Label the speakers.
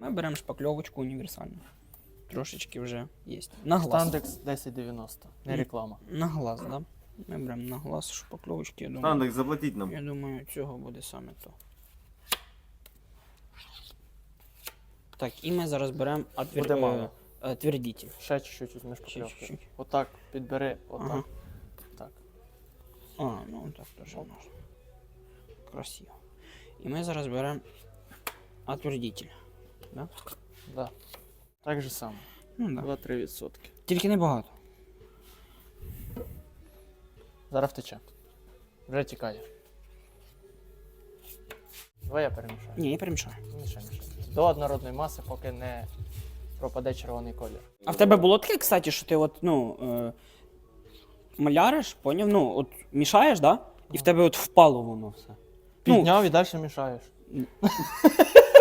Speaker 1: Ми беремо шпакльовочку універсальну. Трошечки вже є. На глаз.
Speaker 2: Стандекс 1090, не реклама.
Speaker 1: На глаз, да? Ми беремо на глаз шпакльовочки, я думаю.
Speaker 3: Стандекс, заплатіть нам.
Speaker 1: Я думаю, цього буде саме то. Так, і ми зараз беремо
Speaker 2: Буде мало.
Speaker 1: твердітель.
Speaker 2: Ще чуть-чуть візьмеш
Speaker 1: Ще
Speaker 2: шпакльовки.
Speaker 1: чуть-чуть.
Speaker 2: Отак підбери, отак.
Speaker 1: Ага.
Speaker 2: Так.
Speaker 1: Ну так теж можна. Красиво. І ми зараз беремо отвердитель. Да?
Speaker 2: Да. Так же само.
Speaker 1: Ну, да.
Speaker 2: 2-3%.
Speaker 1: Тільки не багато.
Speaker 2: Зараз втече. Вже тікає. Давай я перемішаю.
Speaker 1: Ні, я перемішаю.
Speaker 2: Мішай. До однородної маси, поки не пропаде червоний колір.
Speaker 1: А в тебе було таке, кстати, що ти от, маляриш, поняв? Ну, от мішаєш, да? І в тебе от впало воно все.
Speaker 2: Підняв і далі мішаєш.